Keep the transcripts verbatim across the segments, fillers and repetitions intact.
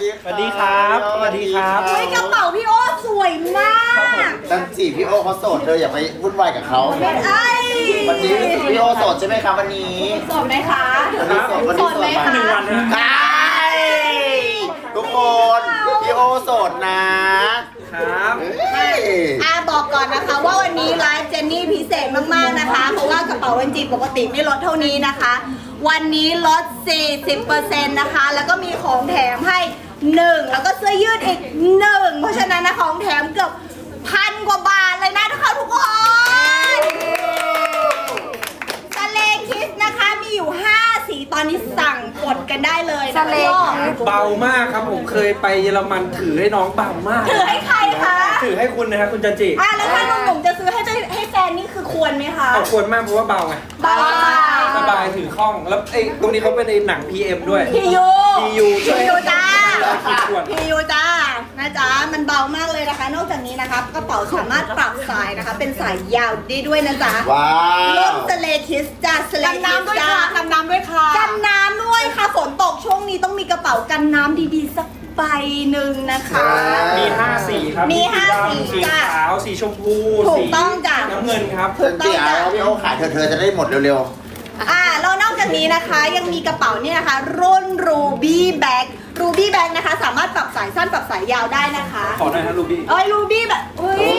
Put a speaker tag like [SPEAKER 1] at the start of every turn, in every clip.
[SPEAKER 1] ดี
[SPEAKER 2] สวัสดีครับสวัสดีครับ
[SPEAKER 3] เฮ้ยกระเป๋าพี่โอ้สวยมาก
[SPEAKER 1] จันจีพี่โอเขาโสดเธออย่าไปวุ่นวายกับเขา
[SPEAKER 3] ไอ้
[SPEAKER 1] วันนี้พี่โอโสดใช่ไหมครับวันนี้
[SPEAKER 3] สดไหมคะ
[SPEAKER 1] วันนี้โสดวันนี้โสด
[SPEAKER 2] หนึ่งวันนะ
[SPEAKER 1] ใช่ทุกคนพี่โอโสดนะครับ เฮ้ย
[SPEAKER 3] อาบอกก่อนนะคะว่าวันนี้ไลฟ์เจนนี่พิเศษมากๆนะคะ เพราะว่ากระเป๋าวันจีปกติไม่ลดเท่านี้นะคะ วันนี้ลด สี่สิบเปอร์เซ็นต์ นะคะ แล้วก็มีของแถมให้หนึ่งแล้วก็เสื้อยืดอีกหนึ่งเพราะฉะนั้นนะของแถมเกือบพันกว่าบาทเลยนะทุกคนทุกคนสเลคิสนะคะมีอยู่ห้าสีตอนนี้สั่งกดกันได้เลยนะคะพี่โอ้
[SPEAKER 2] เบามากครับผมเคยไปเยอรมันถือให้น้องเบามาก
[SPEAKER 3] ถือให้ใครคะ
[SPEAKER 2] ถือให้คุณนะครับคุณจันจิ
[SPEAKER 3] อ่ะแล้วถ้าหนุ่มๆจะซื้อให้ให้แฟนนี่คือควรไหมคะ
[SPEAKER 2] เอาควรมากเพราะว่าเบาไง
[SPEAKER 3] บ้า
[SPEAKER 2] สบายถือคล่องแล้วไอ้ตรงนี้เขาเป็นในหนัง พี เอ็ม ด้วย
[SPEAKER 3] พียู
[SPEAKER 2] พียู
[SPEAKER 3] พียูจ้า
[SPEAKER 2] ควร
[SPEAKER 3] พียูจ้านะจ๊ะมันเบามากเลยนะคะ นอกจากนี้นะคะกระเป๋าสามารถปรับสายนะคะ เป็นสายยาวได้ด้วยนะจ๊ะ
[SPEAKER 1] ว้า
[SPEAKER 3] รุ่
[SPEAKER 1] วน
[SPEAKER 3] สเลคิสจ้าสเล
[SPEAKER 4] กัน
[SPEAKER 3] คิส
[SPEAKER 4] น้ำด้วย
[SPEAKER 3] จ้า
[SPEAKER 4] ค่ะกันน้ำด้วยค่ะ
[SPEAKER 3] กันน้ำด้วยค่ะฝนตกช่วงนี้ต้องมีกระเป๋ากันน้ำดีๆสักใบหนึ่งนะคะ
[SPEAKER 2] มีห้าสีครับ
[SPEAKER 3] มีห้า
[SPEAKER 2] ดำ
[SPEAKER 3] สี
[SPEAKER 2] สี
[SPEAKER 3] จ้ะ
[SPEAKER 2] ขาวสีชมพู
[SPEAKER 3] ถูก
[SPEAKER 2] สี
[SPEAKER 3] ต้องจ้ะ
[SPEAKER 2] น้ำเงินครับ
[SPEAKER 3] ถู
[SPEAKER 1] จั
[SPEAKER 3] ก
[SPEAKER 1] น
[SPEAKER 3] ต้
[SPEAKER 1] จี
[SPEAKER 3] อง
[SPEAKER 1] เอา
[SPEAKER 3] จ้ะ
[SPEAKER 1] พี่โอขายเธอเธอจะได้หมดเร็ว
[SPEAKER 3] อ่าแล้วนอกจากนี้นะคะยังมีกระเป๋าเนี่ยนะคะรุ่น Ruby Bag Ruby Bag นะคะ สามารถปรับสายสั้นปรับสายยาวได้นะคะ
[SPEAKER 2] ขอหน่อยครับลูบี้
[SPEAKER 3] เอ้ย Ruby แบบอุ้ย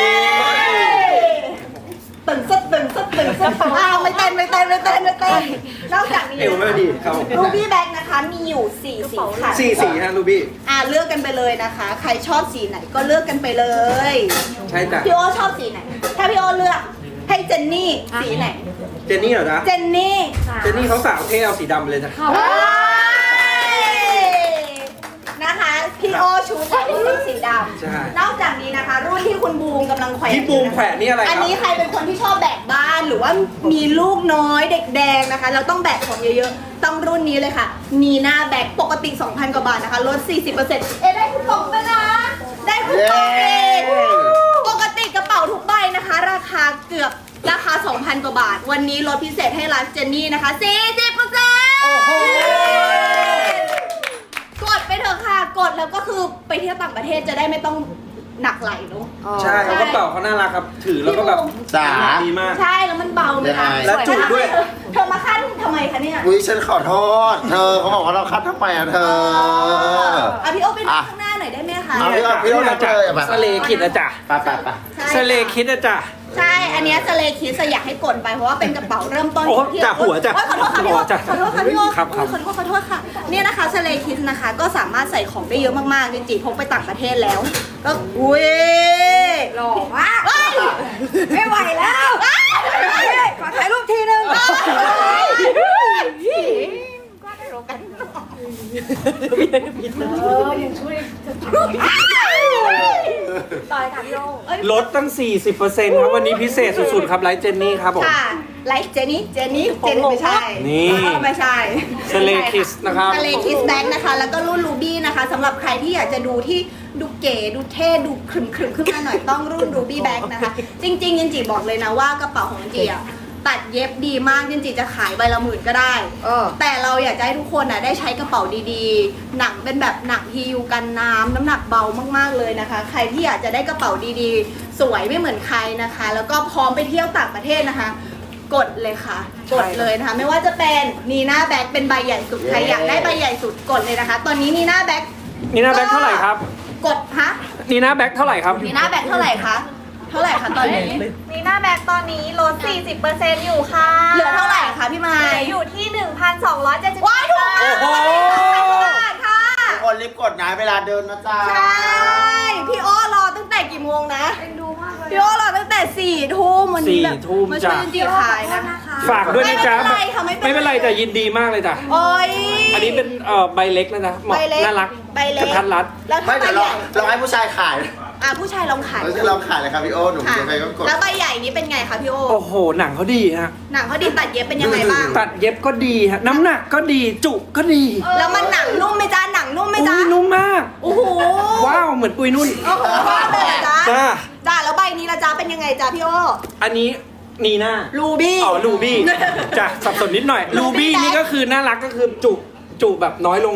[SPEAKER 3] ตึงซึดตึงซึดตึงซึดอ้าวไม่เต้นไม่เต้นไม่เต้นไม่เต้นนอกจากนี้
[SPEAKER 2] เอวไม่ดีครับผม
[SPEAKER 3] Ruby Bag นะคะมีอยู่สี่สีค่ะ
[SPEAKER 2] สี่สีฮะลูบี้
[SPEAKER 3] อ่าเลือกกันไปเลยนะคะ ใครชอบสีไหนก็เลือกกันไปเลย
[SPEAKER 2] ใช่จ้ะ
[SPEAKER 3] พี่โอชอบสีไหนถ้าพี่โอเลือกให้เจนนี่สีไหน
[SPEAKER 2] เจนนี่เหรอจ๊ะ
[SPEAKER 3] เจนนี่
[SPEAKER 2] เจนนี่เขาสาวเท่เอาสีดำไปเลยจ้ะ
[SPEAKER 3] นะคะพี่โอชูใส่สีด
[SPEAKER 2] ใช่
[SPEAKER 3] ำนอกจากนี้นะคะ รุ่นที่คุณบูมกำลังแขวน
[SPEAKER 2] พี่บูมแขวนนี่อะไรครับ
[SPEAKER 3] อันนี้ใครเป็นคนที่ชอบแบกบ้านหรือว่ามีลูกน้อยเด็กแดงนะคะเราต้องแบกของเยอะๆต้องรุ่นนี้เลยค่ะนีน่าแบกปกติ สองพัน กว่าบาทนะคะลด สี่สิบเปอร์เซ็นต์ เอ๊ะได้คูปองด้วยนะได้คูปองเองปกติกระเป๋าทุกใบนะคะ ราคาเกือบราคา สองพัน กว่าบาท วันนี้ลดพิเศษให้ร้านเจนนี่นะคะ สี่สิบเปอร์เซ็นต์
[SPEAKER 2] โอ้โห
[SPEAKER 3] กดไปเถอะค่ะกดแล้วก็คือไปเที่ยวต่างประเทศจะได้ไม่ต้องหนักไหลเนาะ
[SPEAKER 2] ใช่แล้วกระเป๋าเขาน่ารักครับถือแล้วก็แบบ
[SPEAKER 1] ๆสา
[SPEAKER 2] ดีมาก
[SPEAKER 3] ใช่แล้วมันเบาเลยนะ
[SPEAKER 2] และจุด้วย
[SPEAKER 3] เธอมาขั้นทำไมคะเนี่ย
[SPEAKER 1] อุ้ยฉันขอโทษ เธอเขาบอกว่าเราคัดทำไมอ่ะเธอ
[SPEAKER 3] อ่ะพี่โอไปดู
[SPEAKER 1] อ่ะ
[SPEAKER 3] ข้างหน้าหน่อยได้ไหมคะ
[SPEAKER 1] เอาพี่โอพี่โอรับเลยอ่ะไป
[SPEAKER 2] สเลคิดอะจ้ะ
[SPEAKER 1] ไปไปไป
[SPEAKER 3] ใช่
[SPEAKER 2] สเลคิดอะจ้ะ
[SPEAKER 3] ใช่อันเนี้ยสเลคิสอยากให้กดไปเพราะว่าเป็นกระเป๋าเริ่มต้น
[SPEAKER 2] โอ้
[SPEAKER 3] ที่
[SPEAKER 2] จ้ะหัวจ้ะ
[SPEAKER 3] โอ๊ยขอโทษค่ะพี่โอ
[SPEAKER 2] หัวจ้ะ
[SPEAKER 3] ขอโทษค่ะพี่โอ
[SPEAKER 2] ครับครับ
[SPEAKER 3] ขอโทษขอโทษค่ะเนี่ยนะคะสเลคิสนะคะก็สามารถใส่ของได้เยอะมากๆจริงๆพกไปต่างประเทศแล้วก็อุ้ย
[SPEAKER 4] หล่อมาก
[SPEAKER 3] เฮ้ย
[SPEAKER 4] ไม่ไหวแล้ว ขอถ่ายรูปทีนึง เออยังช่วยต่อยค่ะพี่โอ
[SPEAKER 2] ลดตั้ง สี่สิบเปอร์เซ็นต์ ครับวันนี้พิเศษสุดๆครับไลฟ์เจนนี่ครับผม
[SPEAKER 3] ค่ะไลฟ์เจนี่เจนี่เจนี่ไม่ใช่
[SPEAKER 2] นี่
[SPEAKER 3] ไม่ใช่
[SPEAKER 2] สเลคิสนะครับ
[SPEAKER 3] สเลคิสแบ็กนะคะ แล้วก็รุ่นรูบี้นะคะสำหรับใครที่อยากจะดูที่ดูเก๋ดูเท่ดูขรึมขรึมขึ้นมาหน่อยต้องรุ่นรูบี้แบ็กนะคะ จริงๆยินจีบอกเลยนะว่ากระเป๋าของยินจีอะตัดเย็บดีมากยินจีจะขายใบละหมื่นก็ได้
[SPEAKER 4] เออ
[SPEAKER 3] แต่เราอยากจะให้ทุกคนน่ะได้ใช้กระเป๋าดีๆ หนังเป็นแบบหนังฮียูกันน้ำน้ำหนักเบามากๆเลยนะคะ ใครที่อยากจะได้กระเป๋าดีๆ สวยไม่เหมือนใครนะคะ แล้วก็พร้อมไปเที่ยวต่างประเทศนะคะ กดเลยค่ะ กดเลยนะคะ ไม่ว่าจะเป็นนีน่าแบ็คเป็นใบใหญ่สุดใครอยากได้ใบใหญ่สุดกดเลยนะคะ ตอนนี้นีน่าแบ็ค
[SPEAKER 2] นี่หน้าแบ็คเท่าไหร่ครับ
[SPEAKER 3] กดฮะ
[SPEAKER 2] นี่หน้าแบ็คเท่าไหร่ครับ
[SPEAKER 3] นีน่าแบ็คเท่าไหร่คะเท่าไหร่คะตอนนี้
[SPEAKER 4] มีหน้าแบ็กตอนนี้ลด สี่สิบเปอร์เซ็นต์ อยู่ค่ะ
[SPEAKER 3] เหลือเท่าไหร่คะพี่ไม้
[SPEAKER 4] อยู่ที่ หนึ่งพันสองร้อยเจ็ดสิบ
[SPEAKER 3] ว้ายถูกมาก
[SPEAKER 2] โอ้โห
[SPEAKER 3] บาทค่ะ
[SPEAKER 1] ทุกคนรีบกดนะเวลาเดินนะจ๊ะ
[SPEAKER 3] ใช่พี่โอ้รอตั้งแต่กี่โมงนะ
[SPEAKER 4] เป็นดูมากเลย
[SPEAKER 3] พี่โอ้รอตั้งแต่สี่ทุ่มวันนี้แบบ
[SPEAKER 2] สี่ทุ่ม
[SPEAKER 3] มาช่วย
[SPEAKER 2] จ้ะ
[SPEAKER 3] จริงๆขายนะ
[SPEAKER 2] ฝากด้วยนะจ๊ะ
[SPEAKER 3] ไม่เป็นไรค่ะไม่เป็นไร
[SPEAKER 2] ไม่เป็นไรแต่ยินดีมากเลยจ้ะ
[SPEAKER 3] โอ้ย
[SPEAKER 2] อันนี้เป็นเอ่อใบเล็กแล้วนะเหมาะ
[SPEAKER 3] ใบเล็ก
[SPEAKER 2] น่ารัก
[SPEAKER 3] ใบเล็ก
[SPEAKER 2] กระทัดรัด
[SPEAKER 3] แล้ว
[SPEAKER 1] ไม่
[SPEAKER 3] ถ้าใบ
[SPEAKER 1] เดี๋ยว
[SPEAKER 3] ให
[SPEAKER 1] เรา
[SPEAKER 3] ญ่
[SPEAKER 1] เราให้ผู้ชายขาย
[SPEAKER 3] อ่ะผู้ชายลองขาย
[SPEAKER 1] เราจะลองขายเลยครับพี่โอหนุ่ม
[SPEAKER 3] ค่ะ
[SPEAKER 1] ยังไงก็กด
[SPEAKER 3] แล้วใบใหญ่นี้เป็นไงคะพี่โอ
[SPEAKER 2] โอ้โหหนังเขาดีฮะ
[SPEAKER 3] หนังเขาดีตัดเย็บเป็นยังไงบ้าง
[SPEAKER 2] ตัดเย็บก็ดีฮะน้ำหนักก็ดีจุก็ดี
[SPEAKER 3] แล้วมันหนังนุ่มไหมจ๊ะหนังนุ่มไหม
[SPEAKER 2] อุ้
[SPEAKER 3] จ๊ะ
[SPEAKER 2] ยนุ่มมาก
[SPEAKER 3] โอ้โห
[SPEAKER 2] ว้าวเหมือนปุยนุ่น
[SPEAKER 3] โอ้โหว่าเลยเหรอจ๊ะ
[SPEAKER 2] จ้า
[SPEAKER 3] จ้าแล้วใบนี้ละจ๊ะเป็นยังไงจ๊ะพี่โอ
[SPEAKER 2] อันนี้นีน่า
[SPEAKER 3] รูบี้
[SPEAKER 2] อ๋อลูบี้จ้ะสับสนนิดหน่อย
[SPEAKER 3] ลู
[SPEAKER 2] ลู
[SPEAKER 3] บี้
[SPEAKER 2] บี้
[SPEAKER 3] แบ็ค
[SPEAKER 2] นี่ก็คือน่ารักก็คือจุจุแบบน้อยลงหน่อย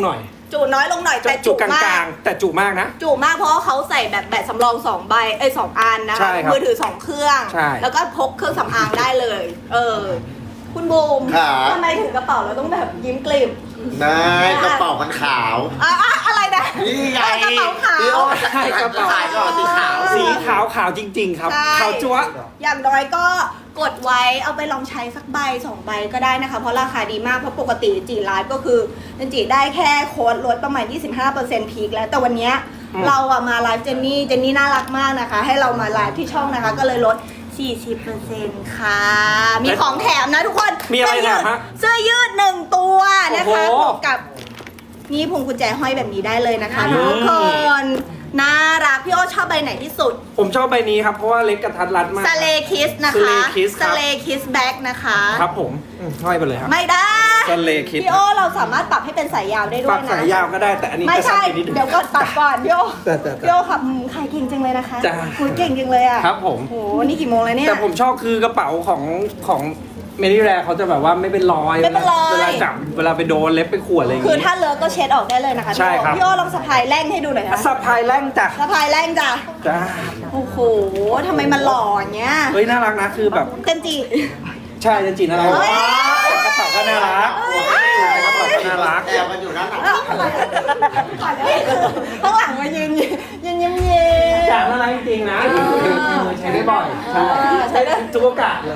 [SPEAKER 3] จุน้อยลงหน่อยแต่
[SPEAKER 2] จุ
[SPEAKER 3] จุ
[SPEAKER 2] กล
[SPEAKER 3] มาก
[SPEAKER 2] างๆ แต่จุมากนะ
[SPEAKER 3] จุมากเพราะว่าเขาใส่แบบแบตสำรองสองใบเอ้ยสองอันนะ
[SPEAKER 2] ใช่
[SPEAKER 3] คะ
[SPEAKER 2] ครับ
[SPEAKER 3] มือถือสองเครื่อง
[SPEAKER 2] ใช่
[SPEAKER 3] แล้วก็พกเครื่องสำอางได้เลย เออ คุณบูม
[SPEAKER 1] ค่ะ
[SPEAKER 3] ทำไมถึงกระเป๋าเราต้องแบบยิ้มกลิ่ม
[SPEAKER 1] นายกระเป๋ามันขาว
[SPEAKER 3] อ่ะอ่ะอะไรนะ
[SPEAKER 1] นี่ไง
[SPEAKER 3] เออกระเป๋าขาว
[SPEAKER 1] พี่โอ้
[SPEAKER 2] ใช่กระเป๋า
[SPEAKER 1] ขายก่อนสีขาว
[SPEAKER 2] สีขาวขาวจริง ๆ ครับ
[SPEAKER 3] ใช่
[SPEAKER 2] ขาวจั๊วะ
[SPEAKER 3] อย่างน้อยก็กดไว้เอาไปลองใช้สักใบสองใบก็ได้นะคะ เพราะราคาดีมาก เพราะปกติจีไลฟ์ก็คือจีได้แค่โค้ดลดประมาณ ยี่สิบห้าเปอร์เซ็นต์ พีคแล้ว แต่วันเนี้ย
[SPEAKER 2] อืม
[SPEAKER 3] เราอะมาไลฟ์เจนนี่ เจนนี่น่ารักมากนะคะ ให้เรามาไลฟ์ที่ช่องนะคะ ก็เลยลด สี่สิบเปอร์เซ็นต์ ค่ะ มีของแถมนะทุกคน
[SPEAKER 2] มีอะไร
[SPEAKER 3] เสื้ยืด
[SPEAKER 2] แถมฮะ
[SPEAKER 3] เสื้อยืดหนึ่งตัวนะคะ
[SPEAKER 2] โอ้โห
[SPEAKER 3] บวกกับนี่พวงกุญแจห้อยแบบนี้ได้เลยนะคะ
[SPEAKER 2] อืม
[SPEAKER 3] ทุกคนน่ารักพี่โอ้ชอบใบไหนที่สุด
[SPEAKER 2] ผมชอบใบนี้ครับ เพราะว่าเล็กกระทัดรัดมาก
[SPEAKER 3] สเลคิสนะคะ
[SPEAKER 2] Slay Kiss ครับ
[SPEAKER 3] สเลคิสแบ็กนะคะ
[SPEAKER 2] ครับผมอืมห้อยไปเลยครับ
[SPEAKER 3] ไม่ได้
[SPEAKER 2] Slay Kiss
[SPEAKER 3] พี่โอเราสามารถปรับให้เป็นสายยาวได้ด้
[SPEAKER 2] ปั
[SPEAKER 3] วย
[SPEAKER 2] ก
[SPEAKER 3] นะ
[SPEAKER 2] สายยาวก็ได้ แต่อันนี้
[SPEAKER 3] ไม่
[SPEAKER 2] จะสั้น
[SPEAKER 3] ใช่
[SPEAKER 2] ไปนิดนึง
[SPEAKER 3] เดี๋ยวก่อนตัดก่อนพี่โอ
[SPEAKER 2] แต่แต่แต่
[SPEAKER 3] พี่โอขับใครเก่งจังเลยนะคะ
[SPEAKER 2] จ้า
[SPEAKER 3] คุยเก่งจังเลยอ่ะ
[SPEAKER 2] ครับผม
[SPEAKER 3] โหนี่กี่โมงแล้วเนี่ย
[SPEAKER 2] แต่ผมชอบคือกระเป๋าของของเมดิแรเขาจะแบบว่าไม่เป็นรอย
[SPEAKER 3] ไม่เป็นรอย
[SPEAKER 2] เวลาจับเวลาไปโดนเล็บไปข่วนอะไรอย่าง
[SPEAKER 3] คือ
[SPEAKER 2] งี้
[SPEAKER 3] ถ้าเลอะก็เช็ดออกได้เลยนะคะ
[SPEAKER 2] ใช่ครับ
[SPEAKER 3] พี่โอลองสะพายแร่งให้ดูหน่อยนะ
[SPEAKER 2] สะพายแรงจ้ะ
[SPEAKER 3] สะพายแร่งจ้ะ
[SPEAKER 2] จ้า
[SPEAKER 3] โอ้โหทำไมมันหล่ออย่างเงี้ย
[SPEAKER 2] เฮ้ยน่ารักนะคือแบบ
[SPEAKER 3] เต็มจี
[SPEAKER 2] ใช่จริงๆน่ารัก
[SPEAKER 3] เฮ้ย
[SPEAKER 2] กระเป๋าก็น่ารักใช่กระเป๋าก็น่ารัก
[SPEAKER 1] แอลมันอยู่ด้านหลัง
[SPEAKER 3] ข้างหลังมายืนยืนยืนยิ้มเยิ้ม
[SPEAKER 2] จากน่ารักจริงๆนะใช้ได้บ่อยใช่ใช้ได้ทุกโอกาสเลย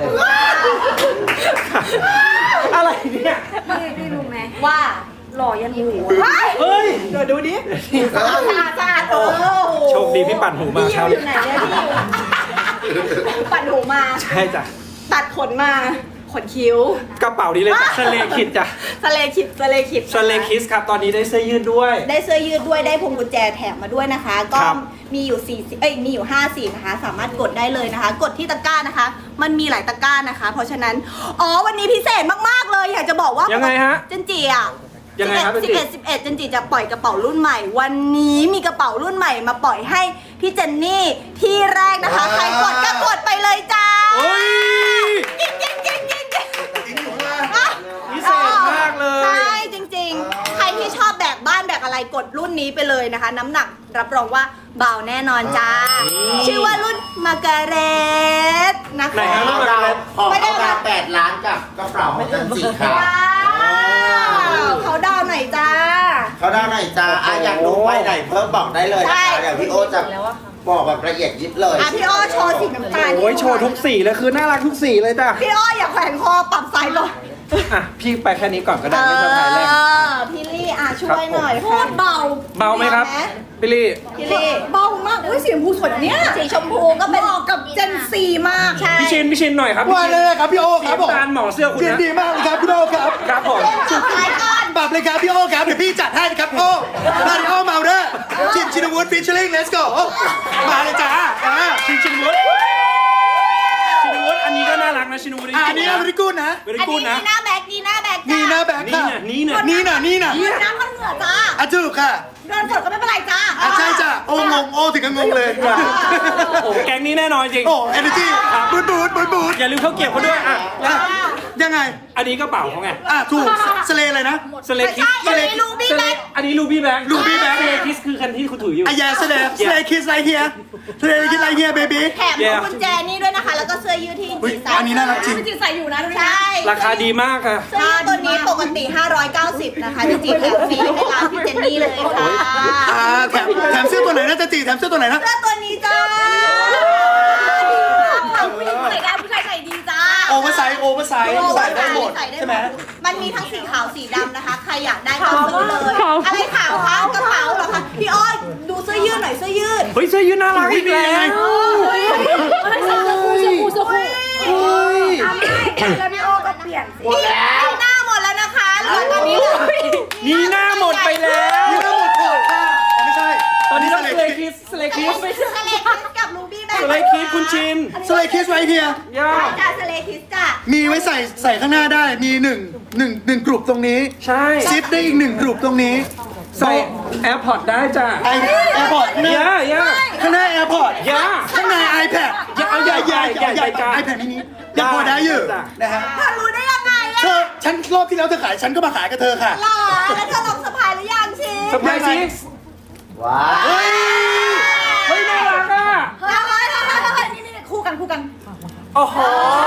[SPEAKER 2] อะไรเนี่ย
[SPEAKER 4] พี่พี่รู้ไหม
[SPEAKER 3] ว่า
[SPEAKER 4] หล่อยันหูอะ
[SPEAKER 2] เฮ้ย
[SPEAKER 3] เดี๋ยวดูดิสะอาดสะอาดโอ้โห
[SPEAKER 2] โชคดีพี่ปั่นหูมา
[SPEAKER 3] พี่
[SPEAKER 2] เช้า
[SPEAKER 3] อ
[SPEAKER 2] นี้
[SPEAKER 3] ยู่ไหนเนี่ยพี่อยู่ปั่นหูมา
[SPEAKER 2] ใช่จ้ะ
[SPEAKER 3] ตัดขนมาขนคิ้ว
[SPEAKER 2] กระเป๋านี้เลยจ้ะสเลคิดจ้ะ
[SPEAKER 3] สเลคิดสเลคิด
[SPEAKER 2] สเลคิสครับตอนนี้ได้เสื้อยืดด้วย
[SPEAKER 3] ได้เสื้อยืดด้วยได้พวงกุญแจแถมมาด้วยนะคะ ก็
[SPEAKER 2] ครับ
[SPEAKER 3] มีอยู่สี่เอ้ยมีอยู่ห้าสีนะคะ สามารถกดได้เลยนะคะ กดที่ตะกร้านะคะ มันมีหลายตะกร้านะคะ เพราะฉะนั้นอ๋อวันนี้พิเศษมากๆเลยอยากจะบอกว่า
[SPEAKER 2] ยังไงฮะ
[SPEAKER 3] เจนจีอ่ะ
[SPEAKER 2] ยังไงครับ
[SPEAKER 3] สิบเอ็ดสิบเอ็ดเจนจีจะปล่อยกระเป๋ารุ่นใหม่ วันนี้มีกระเป๋ารุ่นใหม่มาปล่อยให้พี่เจนนี่ที่แรกนะคะ ใครกดก็กดไปเลยจ้า
[SPEAKER 2] โอ้ย
[SPEAKER 3] ยิงยิงยิงยิงยิง
[SPEAKER 2] พิเศษมากเลย
[SPEAKER 3] ใช่จริงๆ ใครที่ชอบแบกบ้านแบกอะไรกดรุ่นนี้ไปเลยนะคะ น้ำหนักรับรองว่าเบาแน่นอนจ้า ชื่อว่ารุ่นมาการเรตนะ
[SPEAKER 2] ไหน
[SPEAKER 3] คะ
[SPEAKER 2] ฮะ
[SPEAKER 1] เอาดาวขอเอาดาวแปดล้านกับกระเป๋าของจันจิค่ะ
[SPEAKER 3] ว้าวเขาดาวหน่อยจ้า
[SPEAKER 1] เขาได้ไหนจ้าอ่ะอยากรู้ไปไหนเพิ่มบอกได้เลย
[SPEAKER 3] ใช่
[SPEAKER 1] นะคะเดี๋ยวพี่โอจะบอกแบบละเอียดยิบเลย
[SPEAKER 3] อ่ะพี่อ้อโชว์สีน้ำตาล
[SPEAKER 2] โอ้ยโชว์ทุกสีเลยคือน่ารักทุกสีเลยจ้ะ
[SPEAKER 3] พี่อ้ออย่าแขวนคอปรับไซส์ลง
[SPEAKER 2] อ่ะพี่ไปแค่นี้ก่อนก็ได้ไม่สะพายแรง
[SPEAKER 3] เออพี่ลี่อ่ะช่วยหน่อย
[SPEAKER 4] โค
[SPEAKER 3] ค่ะ
[SPEAKER 4] ตรเบา
[SPEAKER 2] เบาไหมครับพี่ลี่
[SPEAKER 3] พี่ลี่
[SPEAKER 4] เบามากอุ้ยสีชมพูสวยนะเนี่ย
[SPEAKER 3] สีชมพูก็เป็น
[SPEAKER 4] เหมาะกับเจนซีมาก
[SPEAKER 3] ใช่
[SPEAKER 2] พี่ชินพี่ชินหน่อยครับ
[SPEAKER 5] ว่าเลยครับพี่โอ
[SPEAKER 2] สี
[SPEAKER 5] ครับผม
[SPEAKER 2] น้ำตาลหมอเสื้อคุณ
[SPEAKER 5] ยิน
[SPEAKER 2] นะ
[SPEAKER 5] ดีมากเลยครับพี่โอครับ
[SPEAKER 2] ครับผม
[SPEAKER 3] สุดท้ายก่อน
[SPEAKER 5] ปรับเลยครับพี่โอครับเดี๋ยวพี่จัดให้ครับโอ้มาริโอเมาเดอร์ชินชินวุฒิฟิชเชอร์ลิงเลสโกมาเลยจ้าอ่า
[SPEAKER 2] ชินชินวุฒิชินวุฒิอันนี้ก็น่ารักนะชินวุฒิ
[SPEAKER 5] อันนี้อเมริกุนนะ
[SPEAKER 2] เวริ
[SPEAKER 3] อัน
[SPEAKER 2] กู
[SPEAKER 3] นี้
[SPEAKER 2] นะ
[SPEAKER 3] นีหน้าแบ็กนีหน้าแบ็ก
[SPEAKER 5] นี่
[SPEAKER 3] จ้า
[SPEAKER 5] นะแบก
[SPEAKER 2] นี่
[SPEAKER 5] ค่ะ
[SPEAKER 2] น่ะนี่น่ะ
[SPEAKER 5] นี่นะนี่นะ
[SPEAKER 3] ยืนน้ำมันเหงื่อจ้า
[SPEAKER 5] อ่ะถูกค่ะ
[SPEAKER 3] เดินสดก็ไม่เป็นไรจ้า
[SPEAKER 5] อ่ะใช่จ้ะโอ้งงโอ้ถึงกับงงเลย
[SPEAKER 2] โอ้แก๊งนี้แน่นอนจริง
[SPEAKER 5] โอ้เอเนจีบูดบูดบูดบูด
[SPEAKER 2] อย่าลืมเข้าเก็บเขาด้วยอ่ะ
[SPEAKER 5] อ่ะยังไง
[SPEAKER 2] อันนี้กระเป๋าเขาไง
[SPEAKER 5] อ่ะถูกสเลอะไรนะ
[SPEAKER 2] สเล
[SPEAKER 3] ไม่
[SPEAKER 2] คิส
[SPEAKER 3] ใช่อันนี้ลูบี้แบ็ก
[SPEAKER 2] อันนี้ลูบี้แบ็ก
[SPEAKER 5] Ruby Bag
[SPEAKER 2] สเลคิสคือคันที่คุณถืออยู่
[SPEAKER 5] อ่ะแย่สเลสเลคิสไรเฮียสเลคิสไรเฮียเบบี้
[SPEAKER 3] แถมพวงกุญแจนี่ด้วยนะคะ แล้วก็เสื้อยืดที่
[SPEAKER 5] อุ๊ย
[SPEAKER 3] จีใส่
[SPEAKER 5] อันนี้น่ารักจริง
[SPEAKER 4] จิตใส่อยู่นะดูดิ
[SPEAKER 3] ใช่
[SPEAKER 2] ราคาดีมากค่ะ
[SPEAKER 3] เสื้อยืดตัวนี้ปกติ ห้าร้อยเก้าสิบ นะคะจริงๆแถมฟรีให้ร้านพี่เจนนี่เลยค่ะ
[SPEAKER 5] อ่าแถมแถมเสื้อตัวไหนนะจันจีแถมเสื้อตัวไหนนะ
[SPEAKER 3] เสื้อตัวนี้จ้า
[SPEAKER 4] ผู้หญิงใส่ได้ผู้ชายใส่ดีจ้า
[SPEAKER 5] โอเวอร์ไซส์โอเวอร์ไซส์ใส่ได้หมดใช่ไหม
[SPEAKER 3] มันมีทั้งสีขาวสีดำนะคะ ใครอยากได้ก็ซื้อเลย อะไรขาวคะกระเป๋าเหรอคะ พี่อ้อยดูเสื้อยืดหน่อยเสื้อยืด
[SPEAKER 2] เฮ้ยเสื้อยืดน่ารักอีกแล้ว
[SPEAKER 4] ให้ใส่เสื้อคู่เสื้อคู่เสื้อคู่อ่ะไม่แล้วพี่โอก็เปลี่ยนสิ
[SPEAKER 3] นี่หน้าหมดแล้วนะคะเหลือตอนนี้เหลือ
[SPEAKER 2] นี่หน้าหมดไปแล้ว
[SPEAKER 5] นี่ทั้งหมดก่อนค่ะอ๋อไม่ใช่
[SPEAKER 2] ตอนนี้ต้อง
[SPEAKER 5] ส
[SPEAKER 2] ส
[SPEAKER 5] เล
[SPEAKER 2] เล
[SPEAKER 5] คิ
[SPEAKER 2] คิ
[SPEAKER 5] ส
[SPEAKER 2] สสเลคิส
[SPEAKER 3] สเลคิสกับรูบี้แบง
[SPEAKER 2] สเลคิสคุณชิน
[SPEAKER 5] สเลคิสไรเฮีย
[SPEAKER 2] ย่า
[SPEAKER 3] จ้าสเลคิสจ้า
[SPEAKER 5] มีไว้ใส่ใส่ข้างหน้าได้ มีหนึ่งหนึ่งหนึ่งกลุ่มตรงนี้
[SPEAKER 2] ใช่
[SPEAKER 5] ซิปได้อีกหนึ่งกลุ่มตรงนี้
[SPEAKER 2] ใส่แอร์พอร์ตได้จ้ะ
[SPEAKER 5] ไอแอร์พอร์ตข้างหน้า
[SPEAKER 2] ย่าย่า
[SPEAKER 5] ข้างหน้าแอร์พอร์ต
[SPEAKER 2] ย่า
[SPEAKER 5] ข้างใน iPad
[SPEAKER 2] อย่าเอาใหญ่ใหญ่ใหญ่ใหญ่จ้ะ
[SPEAKER 5] ไอแพดมินิยังพอได้อยู่
[SPEAKER 2] จ้ะ
[SPEAKER 5] นะฮะ
[SPEAKER 3] เธอรู้ได้ยังไงอะ
[SPEAKER 5] เธอฉันรอบที่แล้วเธอขายฉันก็มาขายกับเธอค่ะ
[SPEAKER 3] หรอแล้วเธอลองสะพายหรือยังชิน
[SPEAKER 2] เซอร์ไพรส์ซิก
[SPEAKER 1] ว้า
[SPEAKER 5] เฮ้ย
[SPEAKER 2] เฮ้ยน่ารักอ่ะ
[SPEAKER 3] เฮ้ยเฮ้ยเฮ้ยเฮ้ยนี่นี่คู่กันคู่กัน
[SPEAKER 2] โอ้โห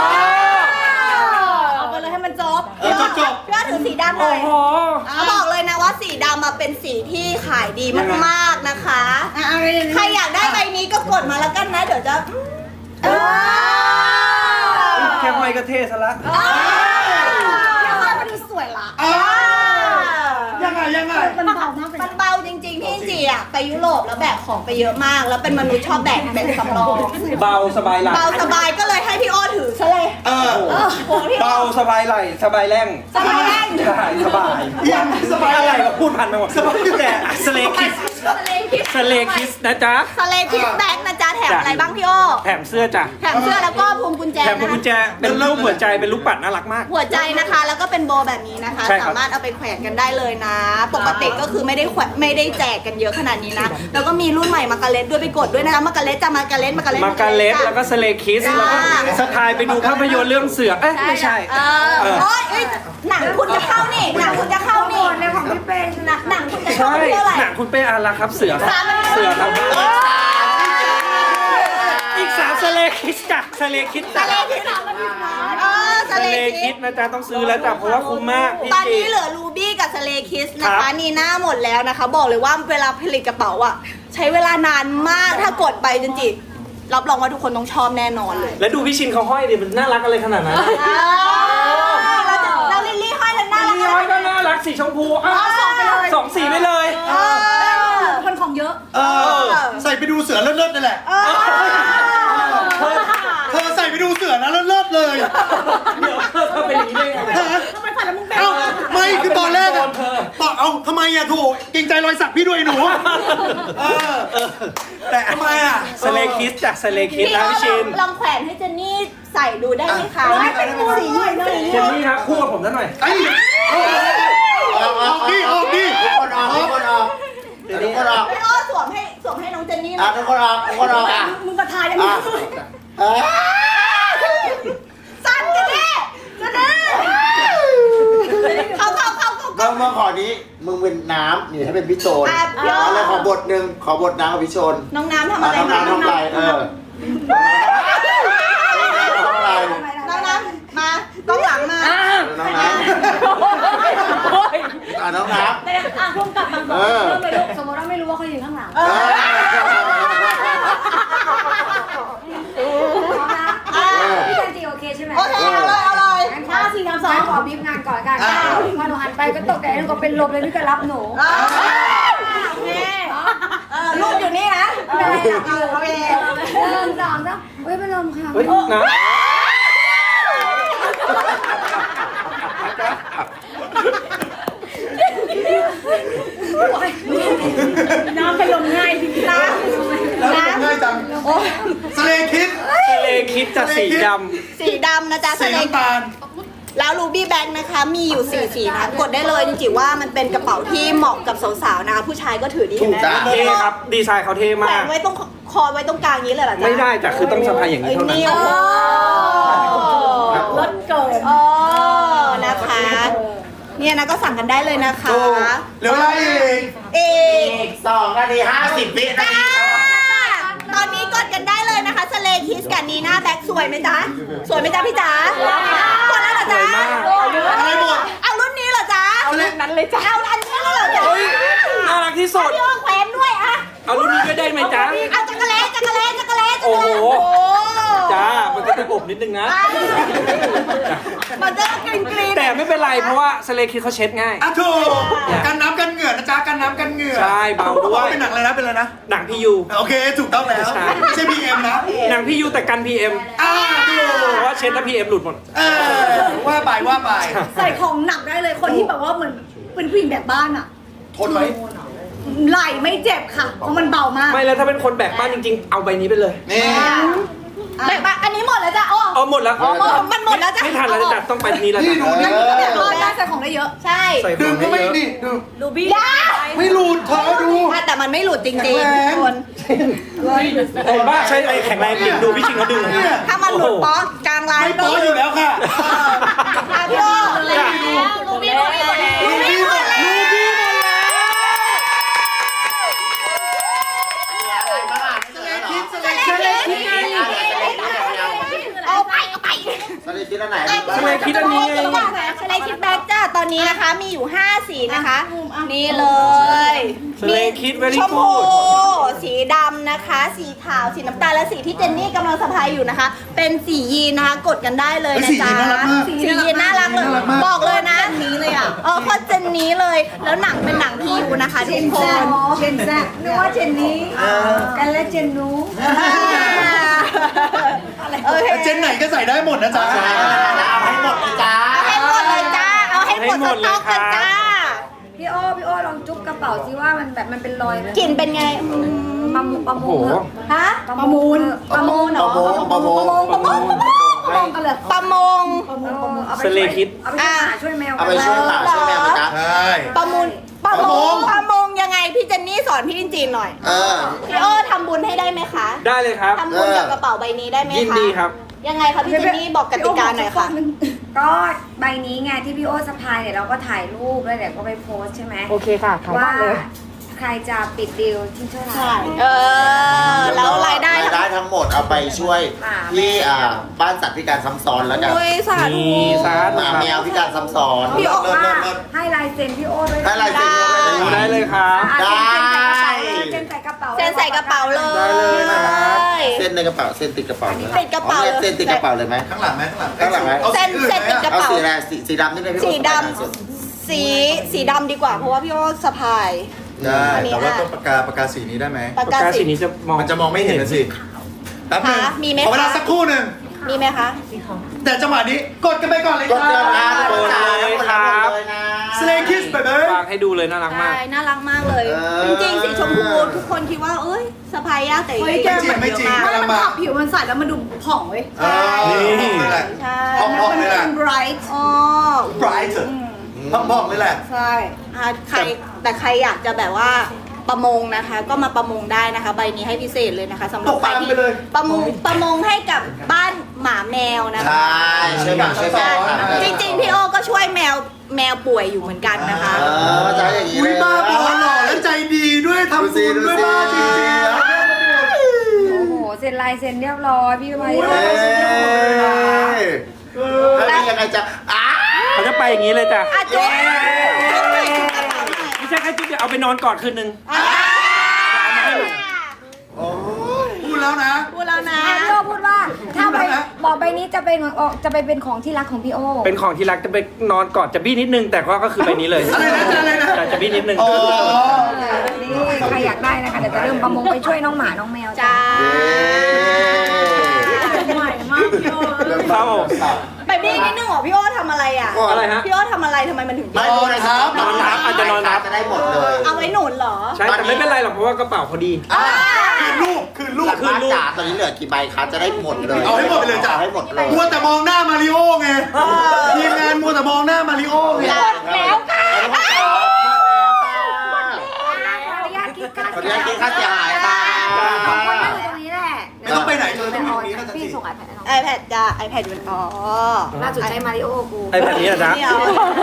[SPEAKER 3] เอาไปเลยให้มันจบ
[SPEAKER 5] เออจบจบ
[SPEAKER 3] พี่อ้อถือสีดำเล
[SPEAKER 2] โอ้
[SPEAKER 3] ย
[SPEAKER 2] โห
[SPEAKER 3] เขาบอกเลยนะว่าสีดำมาเป็นสีที่ขายดีมากๆนะคะใครอยากได้ใบนี้ก็กดมาแล้วกันนะเดี๋ยวจะเออ
[SPEAKER 2] แค่ห้อยก็เท่ซะละ
[SPEAKER 3] เดี๋ยวให้มันดูสวยละ
[SPEAKER 5] อ่ายังไงยังไง
[SPEAKER 3] มันเบามากมันเบาจริงๆพี่จีอ่ะไปยุโรปแล้วแบกของไปเยอะมาก แล้วเป็นมนุษย์ชอบแบกแบกสำรอง
[SPEAKER 2] เบาสบายไหล่
[SPEAKER 3] เบาสบายก็เลยให้พี่โอถือซะเลย
[SPEAKER 5] เออ
[SPEAKER 3] เออโหพี่โอ
[SPEAKER 2] เบาสบายไหล่สบายแรง
[SPEAKER 3] สบายแรง
[SPEAKER 2] ใช่สบาย
[SPEAKER 5] ยังสบาย
[SPEAKER 2] อะไร
[SPEAKER 5] อะไร
[SPEAKER 2] ก็พูดพันไปหมดแต่สเลคิส
[SPEAKER 3] สเลคิส
[SPEAKER 2] สเลคิสนะจ๊ะ
[SPEAKER 3] สเลคิสแบกนะจ๊ะแถมอะไรบ้างพี่โอ
[SPEAKER 2] แถมเสื้อจ้ะ
[SPEAKER 3] แถมเสื้อแล้วก็พวงกุญแจ
[SPEAKER 2] แถมพวงกุญแจ
[SPEAKER 3] นะคะ
[SPEAKER 2] เป็นรูปหัวใจเป็นรูปปัดน่ารักมาก
[SPEAKER 3] หัวใจนะคะ แล้วก็เป็นโบแบบนี้นะคะ
[SPEAKER 2] ใช่ครับ
[SPEAKER 3] สามารถเอาไปแขวนกันได้เลยนะ ปกติก็คือไม่ได้แขวนไม่ได้แจกกันเยอะขนาดนี้นะ แล้วก็มีรุ่นใหม่มาการ์เล็ตด้วยไปกดด้วยนะคะมาการ์เล็ตจะมาการ์เล็ตมาการ์เล็ต
[SPEAKER 2] มาการเล็ตแล้วก็สเลคิสแล้วก็สไตล์ไปดูภาพยนตร์เรื่องเสือเอ๊ะไม่ใช่
[SPEAKER 3] เออ
[SPEAKER 2] เออ
[SPEAKER 3] โอ๊ยเอ้ยหนังคุณจะเข้านี่หนังคุณจะเข้านี่ในของพี่เป็นหนังคุณจะเข้า
[SPEAKER 2] ใช่
[SPEAKER 3] ที่เท่าไหร่
[SPEAKER 2] หนังคุณเป้อารักครับเสือครับ
[SPEAKER 3] สาม
[SPEAKER 2] เสือครับอีกสามสเลคิสจ้ะสเลคิส
[SPEAKER 3] ส
[SPEAKER 2] จ้ะ
[SPEAKER 3] เลคิสเออส
[SPEAKER 2] ส
[SPEAKER 3] เล
[SPEAKER 2] เล
[SPEAKER 3] คิ
[SPEAKER 2] คิ
[SPEAKER 3] ส
[SPEAKER 2] สนะจ๊ะต้องซื้อแล้วจ้ะเพราะว่าคุ้มมากพี่
[SPEAKER 3] ตอน
[SPEAKER 2] จี
[SPEAKER 3] นี้เหลือรูบี้กับสเลคิสนะ
[SPEAKER 2] ครั
[SPEAKER 3] คะ
[SPEAKER 2] บ
[SPEAKER 3] นีน่าหมดแล้วนะคะ บอกเลยว่าเวลาผลิตกระเป๋าอ่ะใช้เวลานานมากถ้ากดไปจริงๆรับรองว่าทุกคนต้องชอบแน่นอนเลย
[SPEAKER 2] แล้วดูพี่ชินเขาห้อยดิมันน่ารักอะไรขนาดนั้น
[SPEAKER 3] เราจะเราลิลลี่ห้อยแล้วน่ารัก
[SPEAKER 2] พี่ห้อยก็น่ารักสีชมพูอ้าว
[SPEAKER 3] สองไปเลย
[SPEAKER 2] สองสีไปเลย
[SPEAKER 3] เออคนของเยอะ
[SPEAKER 5] เออ ใส่ไปดูเสือเลิศๆนั่นแหละ
[SPEAKER 3] เออ
[SPEAKER 5] เธอใส่ไปดูเสือนะเลิศๆเลย
[SPEAKER 2] เดี๋ยวเธอทำเป็นอย่างนี้ได้ไง
[SPEAKER 3] ทำไมฝันแล้วมึงเป็น
[SPEAKER 5] เอ้าไม่คือตอนแรกอะ
[SPEAKER 2] เธอ
[SPEAKER 5] บอกเอาทำไมอะโถเกรงใจรอยสักพี่ด้วยหนูเออแต่ทำไมอะ
[SPEAKER 2] สเลคิสจากสเลคิส
[SPEAKER 3] พี่
[SPEAKER 2] นะ
[SPEAKER 3] อ้อ
[SPEAKER 2] พี่ชิน
[SPEAKER 3] ลองแขวนให้เจนนี่ใส่ดูได้ไหมคะ
[SPEAKER 5] ได้ได้ได้
[SPEAKER 3] สีม่วงสี
[SPEAKER 2] เจนนี่ครับคู่กับผมซะหน่อย
[SPEAKER 5] ไอ้ออกออกดิออกดิ
[SPEAKER 1] ทุกคนออกทุกคนออกทุกคนออก
[SPEAKER 3] พี่อ้อสวมให้สวมให้น้องเจนนี่
[SPEAKER 1] อ่ะทุกคนออกทุกคนออกอ่ะ
[SPEAKER 3] มึงกระทายยังไง
[SPEAKER 1] อ่ะเอ้ย
[SPEAKER 3] สั่นเจนนี่เจนนี่เขาเขาเขาเขา
[SPEAKER 1] เมื่อเมื่อขอนี้มึงเป็นน้ำนี่ให้เป็นพี่โจน
[SPEAKER 3] อ่ะพี่อ้อ
[SPEAKER 1] อะไรขอบทหนึ่งขอบทน้ำกับพี่โจน
[SPEAKER 3] น้องน้ำทำ
[SPEAKER 1] อ่ะ
[SPEAKER 3] อะไร
[SPEAKER 1] น้ำน้ำน้ำลายเออน้ำลาย
[SPEAKER 3] น้องน้ำมาต้องหลังมา
[SPEAKER 1] น้ำน้ำอ่ะน้ำน้ำ
[SPEAKER 4] แต่อ่ะพุ่งกลับมาก่อน
[SPEAKER 1] เออ
[SPEAKER 4] เริ่มเลยลูกสมมติว่าไม่รู้ว่าเขาอยู่ข้างหลัง
[SPEAKER 3] เออ
[SPEAKER 4] พร้อมนะพี่จันจีโอเคใช่ไหม
[SPEAKER 3] โอเคเอาเลยเอาเลย
[SPEAKER 4] งั้นห้าสี่สามสองขอบีบงานก่อนกันพอหนูหันไปก็ตกใจแล้วก็เป็นลมเลยนี่ก็รับหนู
[SPEAKER 3] โอเคเออลูกอยู่นี่นะ
[SPEAKER 4] ไม่เป็นไรหรอก
[SPEAKER 3] เออโอเค
[SPEAKER 4] หนึ่งสองสามเฮ้ยเป็นลมค่ะ
[SPEAKER 2] เฮ้ยนะ
[SPEAKER 4] น้ำเป็นลมง่ายจริงๆนะ
[SPEAKER 5] แล้วง่ายจังสเลคิด
[SPEAKER 2] สเลคิสจากสีด
[SPEAKER 3] สีดำนะจ๊ะ
[SPEAKER 5] สี
[SPEAKER 3] สเล
[SPEAKER 5] น้ำตาล
[SPEAKER 3] แล้วรูบี้แบ็กนะคะมีอยู่สี่สีนะกดได้เลยจริงๆว่ามันเป็นกระเป๋าที่เหมาะกับสาวๆนะคะผู้ชายก็ถือดีเห็นไหม
[SPEAKER 2] ำเท่ครับดีไซน์เขาเท่
[SPEAKER 3] แขว
[SPEAKER 2] มาก
[SPEAKER 3] นไว้ตรงคอไว้ตรงกลางนี้เลยเหรอจ๊ะ
[SPEAKER 2] ไม่ได้จ้ะคือต้องสะพายอย่างนี้
[SPEAKER 3] เอ้ย
[SPEAKER 2] เท่านั้น
[SPEAKER 3] นี่โอ้โห
[SPEAKER 4] รถเกิด
[SPEAKER 3] เออนะคะเนี่ยนะก็สั่งกันได้เลยนะคะ
[SPEAKER 5] โอ้เหลือเวลาอีก
[SPEAKER 3] เอก
[SPEAKER 1] อีกสองนาทีห้าสิบวินา
[SPEAKER 3] จ้า
[SPEAKER 1] ที
[SPEAKER 3] ตอนนี้กดกันได้เลยนะคะสเลคิสกับนีน่าแบ็กสวยไหมจ๊ะสวยไหมจ๊ะพี่จ๋ากดแล้วเหรอจ๊ะ
[SPEAKER 5] อะไรหมด
[SPEAKER 3] เอารุ่นนี้เหรอจ๊ะ
[SPEAKER 5] เอารุ่นนั้นเลยจ้ะ
[SPEAKER 3] เอาอันนี้เลยเหรอจ๊ะ
[SPEAKER 2] เฮ้ยน่ารักที่สุด
[SPEAKER 3] พี่อ้อแขวนด้วยอะ
[SPEAKER 2] เอารุ่นนี้ก็ได้ไหมจ๊ะ
[SPEAKER 3] เอาจักรเล่จักรเล่จักรเล่จักร
[SPEAKER 2] โอ้
[SPEAKER 3] เล่
[SPEAKER 2] โห
[SPEAKER 3] โอ้
[SPEAKER 2] จ้ามันก็จะอบนิดนึงนะ
[SPEAKER 3] มันจะกรีนกรีน
[SPEAKER 2] แต่ไม่เป็นไรเพราะว่าสเลคิสเขาเช็ดง่าย
[SPEAKER 5] อ่ะถูกกันน้ำกันเหงื่อนะจ๊ะกันน้ำกันเหงื่อ
[SPEAKER 2] ใช่เบาด้วย
[SPEAKER 5] เป็นหนังอะไรนะเป็นอะไรนะ
[SPEAKER 2] หนังพี่ยู
[SPEAKER 5] โอเคถูกต้องแล้ว
[SPEAKER 2] ใช่
[SPEAKER 5] ไม่ใช่พีเอ็มนะ
[SPEAKER 2] หนังพี่ยูแต่กันพีเอ็ม
[SPEAKER 5] อ่าถูก
[SPEAKER 2] เพราะว่าเช็ดแล้วพีเอ็มหลุดหมด
[SPEAKER 5] เออว่าไปว่าไป
[SPEAKER 3] ใส่ของหนักได้เลยคนที่แบบว่าเหมือนเป็นผู้หญิงแบบบ้านอะ
[SPEAKER 5] ทนไหม
[SPEAKER 3] ไหล่ไม่เจ็บค่ะ เพราะมันเบามาก
[SPEAKER 2] ไม่แล้วถ้าเป็นคนแบกบ้านจริงๆ เอาใบนี้ไปเลย
[SPEAKER 5] นี่
[SPEAKER 3] แบบว่าอันนี้หมดแล้วจ้ะอ๋อ
[SPEAKER 2] เอาหมดแล้ว
[SPEAKER 3] อ๋อมันหมดแล้วจ้ะ
[SPEAKER 2] ไม่ทันแล้วจ้ะต้องไปนี้แล้ว
[SPEAKER 5] นี่
[SPEAKER 2] จ้ะ
[SPEAKER 5] ดูนี่
[SPEAKER 3] แบบว่าได้ใส่ของได้เยอะ ใช่
[SPEAKER 2] ใส่ข
[SPEAKER 5] ดึ
[SPEAKER 2] อง ง
[SPEAKER 5] ก็
[SPEAKER 2] ให้
[SPEAKER 5] ไม่
[SPEAKER 2] เยอะ
[SPEAKER 5] นี่ดู
[SPEAKER 3] ลูบี้ยา
[SPEAKER 5] ไม่หลุดเธอดู
[SPEAKER 3] แต่มันไม่หลุดจริง
[SPEAKER 5] แข็งแรง
[SPEAKER 3] ๆทุกคน
[SPEAKER 2] เห็นป่ะใช่ไอ้แข็งแรงจริงดูพี่ชิงเขาดึง
[SPEAKER 3] ถ้ามันหลุดป๊อกกลางไล
[SPEAKER 5] ไม่
[SPEAKER 3] น์
[SPEAKER 5] โป๊อยู่แล้วค่ะ
[SPEAKER 3] ค่ะพี่โอแล้วลูบี้หมดแล้ว
[SPEAKER 5] ลูบี้หมดลูบี้หมดแล้วคิดสเลคิด
[SPEAKER 3] เอาไปเอาไป
[SPEAKER 1] สเลคิดอันไหน
[SPEAKER 2] สเลคิดอันนี้ไง
[SPEAKER 3] สเลคิดแบ็กจ้าตอนนี้นะคะมีอยู่ห้าสีนะคะ นี่เลย
[SPEAKER 2] สเลคิด very
[SPEAKER 3] ชมพู
[SPEAKER 2] good
[SPEAKER 3] สีดำนะคะ สีขาวสีน้ำตาลและสีที่เจนนี่กำลังสะพายอยู่นะคะ เป็นสียีนนะคะกดกันได้เลยนะจ๊ะสียีนน่ารักเลยบอกเลยนะนี้เลยอ่ะเออโคตรเจนนี้เลย แล้วหนังเป็นหนังพียูนะคะทุกคน
[SPEAKER 4] เจนแซ่นึกว่าเจนนี้กันและเจนนู้
[SPEAKER 3] โอเค
[SPEAKER 5] เจนไหนก็ใส่ได้หมดนะจ๊ะ
[SPEAKER 1] เอาให้หมดเลยจ้า
[SPEAKER 3] เอาให้หมดเลยจ้าเอาให้หมดสต็อกกันจ้า
[SPEAKER 4] พี่โอพี่โอลองจุ๊บกระเป๋าสิว่ามันแบบมันเป็นรอย
[SPEAKER 3] กลิ่นเป็นไง
[SPEAKER 4] ประมูลประ
[SPEAKER 2] โอ้
[SPEAKER 4] มู
[SPEAKER 2] โห
[SPEAKER 4] ล
[SPEAKER 3] ฮะ
[SPEAKER 4] ประมูล
[SPEAKER 3] ประมูลเหรอ
[SPEAKER 1] ประมงประมง
[SPEAKER 3] ประมงกันเลยประมง
[SPEAKER 4] เอาไป
[SPEAKER 2] สเลคิด
[SPEAKER 4] เอาไปช่วยหมาช่วยแมว
[SPEAKER 1] เอาไปช่วยหมาช่วยแมวนะจ๊ะ
[SPEAKER 5] ใช่
[SPEAKER 3] ประมูลประมงประมงยังไงพี่เจนนี่สอนพี่จินจีนหน่อย
[SPEAKER 1] เออ
[SPEAKER 3] พี่โอ้ทำบุญให้ได้ไหมคะ
[SPEAKER 2] ได้เลยครับ
[SPEAKER 3] ทำบุญกับกระเป๋าใบนี้ได้ไหมคะ
[SPEAKER 2] ยินดีครับ
[SPEAKER 3] ยังไงคะพี่เจนนี่บอกกติกาหน่อยค่ะ
[SPEAKER 4] ก็ใบนี้ไงที่พี่โอสะพายเนี่ยเราก็ถ่ายรูปแล้วเดี๋ยวก็ไปโพสใช่ไหม
[SPEAKER 6] โอเคค่ะขาย
[SPEAKER 4] ว่า
[SPEAKER 6] บ้านเลย
[SPEAKER 4] ใครจะปิดดีลที่เท่าไหร่
[SPEAKER 3] ใช่ เออ แล้วรายได้
[SPEAKER 1] รายได้ทั้งหมดเอาไปช่วยที่อ่าบ้านสัตว์พิการซ้ำซ้อนแล้วกัน
[SPEAKER 3] โอ้ยสาธุ
[SPEAKER 2] มีสา
[SPEAKER 1] ห
[SPEAKER 2] ธุ
[SPEAKER 1] มา
[SPEAKER 2] ครับ
[SPEAKER 1] แมวพิการซ้ำซ้อน
[SPEAKER 3] พี่โอ๊ค
[SPEAKER 1] เลิศ
[SPEAKER 4] ว่า
[SPEAKER 1] เลิศเลิศ
[SPEAKER 4] ให้ลายเซ็นพี่โอด้วย
[SPEAKER 1] ให้ลายเซ็นด้วย
[SPEAKER 2] ดูได้เลยครับ
[SPEAKER 4] อ่ะ
[SPEAKER 1] ได้
[SPEAKER 4] เซ็นใส่กระเป๋า
[SPEAKER 3] เซ็นใส่กระเป๋าเลย
[SPEAKER 2] ได้เลยนะครับ
[SPEAKER 1] เส้นในกระเป๋าเส้นติดกระเป๋าเลย
[SPEAKER 3] ติดกระเป๋า
[SPEAKER 1] อ๋อนี่ยเส้นติดกระเป๋าเลยไหม
[SPEAKER 5] ข้างหลังไหมข้างหลัง
[SPEAKER 1] ข้างหลังไหม
[SPEAKER 5] อา
[SPEAKER 3] เส้น
[SPEAKER 5] อื่
[SPEAKER 3] เส้นติดกระ
[SPEAKER 1] เอา
[SPEAKER 3] เป๋า
[SPEAKER 1] สีอะไรสีสีดำนี่เลยพี่
[SPEAKER 3] สีด
[SPEAKER 1] โอ๊ค
[SPEAKER 3] ำสีสีดำดีกว่าเพราะว่าพี่โอ้สะพาย
[SPEAKER 5] ได้
[SPEAKER 3] อันนี้
[SPEAKER 5] แต่ว่า
[SPEAKER 3] อ่ะ
[SPEAKER 5] ต้องปากกาปากกาสีนี้ได้ไหม
[SPEAKER 3] ปาก
[SPEAKER 2] ปาก
[SPEAKER 3] กาก
[SPEAKER 2] าสี
[SPEAKER 3] สี
[SPEAKER 2] นี้จะมอง
[SPEAKER 5] มันจะมองไม่เห็นนะสิแป๊บนึง
[SPEAKER 3] คะมีไหมคะ
[SPEAKER 5] ขอเวลาสักครู่หนึ่ง
[SPEAKER 3] มีไหมคะ
[SPEAKER 5] แต่จังหวะนี้กดกันไปก่อนเลย
[SPEAKER 1] ก
[SPEAKER 5] ค
[SPEAKER 1] ด
[SPEAKER 5] รั
[SPEAKER 1] เดือนนะ
[SPEAKER 5] บ
[SPEAKER 1] กดเลยครับ
[SPEAKER 5] สเลคิสไปเลย
[SPEAKER 2] ฝากให้ดูเลยน่ารักมาก
[SPEAKER 3] ใช่ น่ารักมากเลย
[SPEAKER 1] เออ
[SPEAKER 3] จริงๆ สีชมพูทุกคนคิดว่า เอ้ยสะพายยากแต่จ
[SPEAKER 5] ไม่
[SPEAKER 3] ริง
[SPEAKER 5] จริงไม่จริง
[SPEAKER 3] ๆ
[SPEAKER 5] กำลังมา
[SPEAKER 3] ผิวมันใสแล้วมันดูผ่องเว้ย
[SPEAKER 5] เออ
[SPEAKER 2] นี่
[SPEAKER 5] นี่แหละ
[SPEAKER 3] ใช่
[SPEAKER 5] พองๆเลยแหละ
[SPEAKER 3] bright อ๋อ
[SPEAKER 5] bright พองๆเลยแหละ
[SPEAKER 3] ใช่อ่ะใครแต่ใครอยากจะแบบว่าประมงนะคะ ก็มาประมงได้นะคะ ใบนี้ให้พิเศษเลยนะคะสำหรับ
[SPEAKER 5] ตก
[SPEAKER 3] ใคร
[SPEAKER 5] ปลา
[SPEAKER 3] ที่
[SPEAKER 5] ไปเลย
[SPEAKER 3] ประมงประมงให้กับบ้านหมาแมวนะ
[SPEAKER 1] ใช
[SPEAKER 3] คะ
[SPEAKER 1] ่ช่วยหมาช่วยแม
[SPEAKER 3] ใช่
[SPEAKER 1] วครับ
[SPEAKER 3] จริงๆ พี่โอก็ช่วยแมวแมวป่วยอยู่เหมือนกันนะคะ
[SPEAKER 1] เออจะให้อย่างนี้
[SPEAKER 5] อุ้
[SPEAKER 1] เลย ย
[SPEAKER 5] บ้าบอหล่อและใจดีด้วยทำบุญด้วยบ้าจริงๆนะ
[SPEAKER 4] โอ้โหเซ็นลายเซ็นเรียบร้อยพี่มาริโอ
[SPEAKER 1] เอ้ยแล้วนี่ยังไงจะอ้า
[SPEAKER 2] เขาจะไปอย่างนี้เลยจ้ะ
[SPEAKER 3] อ่ะจุ๊บจุ๊บหน่อยจุ๊บกระเป๋าหน่อย
[SPEAKER 2] ไม่ใช่แค่จุ๊บเดียวเอาไปนอนกอดคืนนึง
[SPEAKER 3] อ่ะ
[SPEAKER 1] โอ้ย
[SPEAKER 5] พูดแล้วนะ
[SPEAKER 3] พูดแล้วนะ
[SPEAKER 4] อ่ะพี่โอพูดว่าถ้าใบ
[SPEAKER 5] พูดแล้วนะ
[SPEAKER 4] บอกใบนี้จะเป็นออกจะไปเป็นของที่รักของพี่โอ
[SPEAKER 2] เป็นของที่รักจะไปนอนกอดจะบี้นิดนึง แต่ก็ก็คือไปนี้เลย
[SPEAKER 5] อะไรนะอะไรนะ
[SPEAKER 2] จะจะบี้นิดนึง
[SPEAKER 5] อ๋อ
[SPEAKER 4] นี่ใครอยากได้นะคะเดี๋ยวจะเริ่มประมงไปช่วยน้องหมาน้องแมว
[SPEAKER 3] จ้า
[SPEAKER 1] เย้
[SPEAKER 3] ใหม่มากพี่โอ
[SPEAKER 2] เข้า
[SPEAKER 3] ไปบี้นิดนึงเหรอพี่โอทำอะไรอ่ะ
[SPEAKER 2] อะไรฮะ
[SPEAKER 3] พี่โอทำอะไรทำไมมันถึง
[SPEAKER 1] ไม่นอนทับ
[SPEAKER 2] นอนทับอาจจะนอนทับ
[SPEAKER 1] จะได้หมดเลย
[SPEAKER 3] เอาไว้หนุนเหรอ
[SPEAKER 2] ใช่แต่ไม่เป็นไรหรอกเพราะว่ากระเป๋าพอดี
[SPEAKER 5] คือลูกคือลูก
[SPEAKER 1] คือลูกจ๋าตอนนี้เหลือกี่ใบคะจะได้หมดเลย
[SPEAKER 5] เอาให้หมดไปเลยจ้ะ
[SPEAKER 1] อาให้หมดเลย
[SPEAKER 5] มัวแต่มองหน้ามาริโอไงทีมงานมัวแต่มองหน้ามาริโอไง
[SPEAKER 1] แล้วค่ะหมดแล้วค่ะ
[SPEAKER 4] ขออนุญาตคิดค่า
[SPEAKER 1] ขออนุญาตคิดค่าเสียหายค่ะ
[SPEAKER 4] สองคนนั่งอยู่ตรงนี้แหละ
[SPEAKER 5] ไม่ต้องไปไหนเธอต้องอยู่ตรงนี้นะ
[SPEAKER 4] พี่
[SPEAKER 5] พี่
[SPEAKER 4] ส่งไอแพดให้น้อง
[SPEAKER 3] iPad จ้า iPad อยู่อ๋อ
[SPEAKER 4] ล่าสุดใช้มาริโอกู
[SPEAKER 2] ไอ้แบบนี้นะจ๊ะ
[SPEAKER 3] ไม่เอา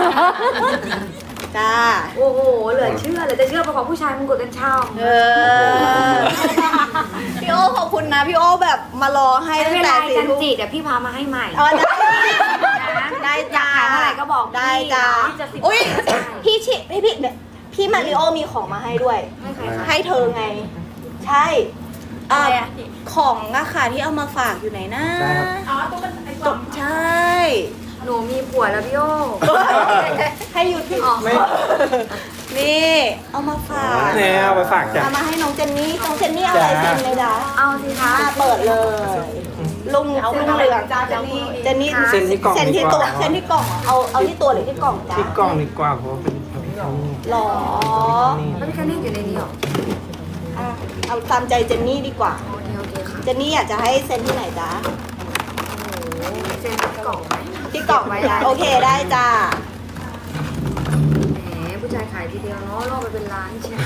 [SPEAKER 3] จ้า
[SPEAKER 4] โอ้โห เหลือเชื่อเหลือจะเชื่อเพราะของผู้ชายมึงกดกันเช่า
[SPEAKER 3] เออ พี่โอขอบคุณนะ พี่โอแบบมารอให้
[SPEAKER 4] ไม่
[SPEAKER 3] ตั้ง
[SPEAKER 4] เป็นไร
[SPEAKER 3] แต่สี่
[SPEAKER 4] จัน
[SPEAKER 3] ทุ่ม
[SPEAKER 4] จีเดี๋ยวพี่พามาให้ใหม่
[SPEAKER 3] อ๋อได้ได้
[SPEAKER 4] อยา
[SPEAKER 3] จ้าก
[SPEAKER 4] ขายเท่าไหร่ก็บอก
[SPEAKER 3] ได้จ้า
[SPEAKER 4] พี่จะสิบ
[SPEAKER 3] อุ้ยพี่ชิพี่พี่เนี่ยพี่มาริโอมีของมาให้ด้วย
[SPEAKER 4] ให้ใครคะ
[SPEAKER 3] ให้เธอไง ใช่อ่าของอะค่ะที่เอามาฝากอยู่ไหนนะ
[SPEAKER 2] ได้ครับ
[SPEAKER 3] อ๋อตัวมันไอ้กล่องใช่
[SPEAKER 4] หนูมีผัวแล้วพี่โอ
[SPEAKER 3] ให้อยู่ที่
[SPEAKER 2] ไม่
[SPEAKER 3] นี่เอามาฝาก
[SPEAKER 2] แนวไปฝากจ้ะ
[SPEAKER 3] เอามาให้น้องเจนนี่น้องเจนนี่เอาอะไร
[SPEAKER 2] จ้า
[SPEAKER 3] เซ็นเลยจ้ะ
[SPEAKER 4] เอาสิคะ
[SPEAKER 3] อ่าเปิดเลยลุงลุงเหลืองจ้าเจนนี่เจนนี่
[SPEAKER 2] เซ็นที่กล่อง
[SPEAKER 3] เซ็นที่
[SPEAKER 2] ดีก
[SPEAKER 3] ตัว
[SPEAKER 2] ว่า
[SPEAKER 3] เซ็นที่กล่องเอาเอาที่ตัวหรือที่กล่องจ้า
[SPEAKER 2] ที่กล่องดีกว่าเพราะว่าเป็นพระพิฆเนศ
[SPEAKER 3] หรอ
[SPEAKER 4] แล้วพี่แค่นี้อยู่ในนี้เหรอ
[SPEAKER 3] อ่ะเอาตามใจเจนนี่ดีกว่า
[SPEAKER 4] โอเคโอเคค่ะ
[SPEAKER 3] เจนนี่อยากจะให้เซ็นที่ไหนจ้า
[SPEAKER 4] โอ้โหเซ็นที่กล่องไหม
[SPEAKER 3] ที่กล่องไว้ได้โอเคได้จ้า
[SPEAKER 4] แหมผู้ชายขายทีเดียวเนาะล่อไปเป็นล้านเชียว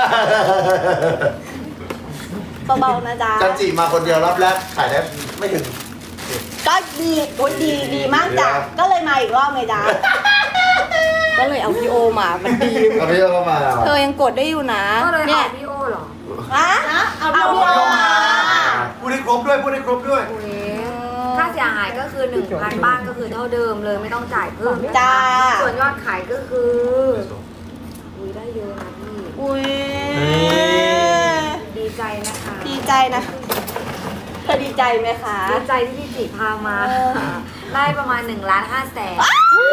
[SPEAKER 3] เบาๆนะจ๊ะ
[SPEAKER 1] จันจีมาคนเดียวรอบแรกขายได้ไม่ถึง
[SPEAKER 3] ก็ดีโอ้ยดีดีมากจ้ะก็เลยมาอีกรอบไงจ๊ะก็เลยเอาพี่โอมามันดี
[SPEAKER 1] เอาพี่เข้ามา
[SPEAKER 3] เธอยังกดได้อยู่นะ
[SPEAKER 4] ก็เลย
[SPEAKER 3] เนี่
[SPEAKER 4] เอา
[SPEAKER 3] ย
[SPEAKER 4] พี่โอเหรอ
[SPEAKER 3] ฮะเอาพี่โอ
[SPEAKER 5] บด้วยพูดให้ครบด้วย
[SPEAKER 4] ค่าเสียหายก็คือหนึ่งพันบ้านก็คือเท่าเดิมเลยไม่ต้องจ่ายเพิ่มนะคะ
[SPEAKER 3] จ้า
[SPEAKER 4] ส่วนยอดขายก็คืออุ้ยได้เยอะนะพี่
[SPEAKER 3] อุ้ย
[SPEAKER 4] ดีใจนะคะ
[SPEAKER 3] ดีใจนะเธอดีใจไหมคะ
[SPEAKER 4] ดีใจที่พี่จิพามาได้ประมาณหนึ่งล้านห้าแสน